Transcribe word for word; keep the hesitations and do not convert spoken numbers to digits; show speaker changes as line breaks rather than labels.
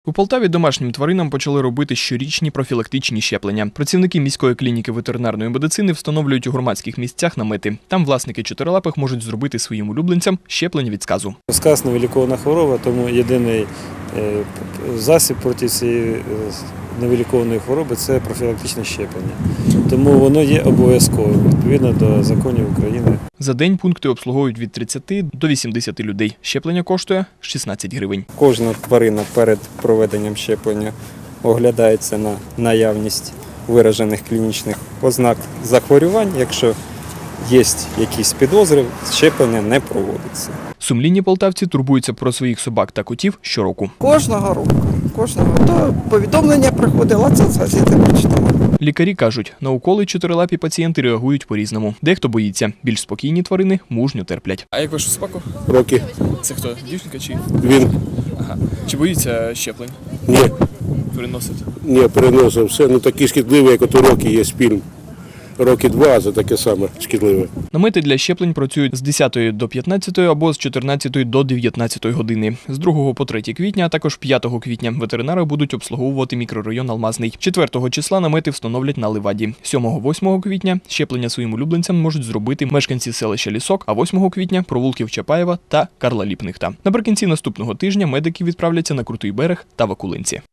У Полтаві домашнім тваринам почали робити щорічні профілактичні щеплення. Працівники міської клініки ветеринарної медицини встановлюють у громадських місцях намети. Там власники чотирилапих можуть зробити своїм улюбленцям щеплення від сказу.
Сказ – невилікована хвороба, тому єдиний засіб проти цієї невилікованої хвороби – це профілактичне щеплення. Тому воно є обов'язковим, відповідно до законів України.
За день пункти обслуговують від тридцяти до вісімдесяти людей. Щеплення коштує шістнадцять гривень.
Кожна тварина перед проведенням щеплення оглядається на наявність виражених клінічних ознак захворювань. Якщо є якісь підозри, щеплення не проводиться.
Сумлінні полтавці турбуються про своїх собак та котів щороку.
Кожного року. Кожного. То повідомлення приходило, це з газети прочитала.
Лікарі кажуть, на уколи чотирилапі пацієнти реагують по-різному. Дехто боїться, більш спокійні тварини мужньо терплять.
А як вашу собаку?
Роки.
Це хто? Дівчинка чи?
Він.
Ага. Чи боїться щеплень?
Ні,
Переносить?
ні, переносив все. Ну такі шкідливі, як от у Рокі є фільм. Роки два, це таке саме шкідливе.
Намети для щеплень працюють з десятої до п'ятнадцятої або з чотирнадцятої до дев'ятнадцятої години. З другого по третє квітня, а також п'ятого квітня ветеринари будуть обслуговувати мікрорайон Алмазний. четвертого числа намети встановлять на Ливаді. сьомого-восьмого квітня щеплення своїм улюбленцям можуть зробити мешканці селища Лісок, а восьмого квітня – провулків Чапаєва та Карла Ліпнихта. Наприкінці наступного тижня медики відправляться на Крутий берег та Вакулинці.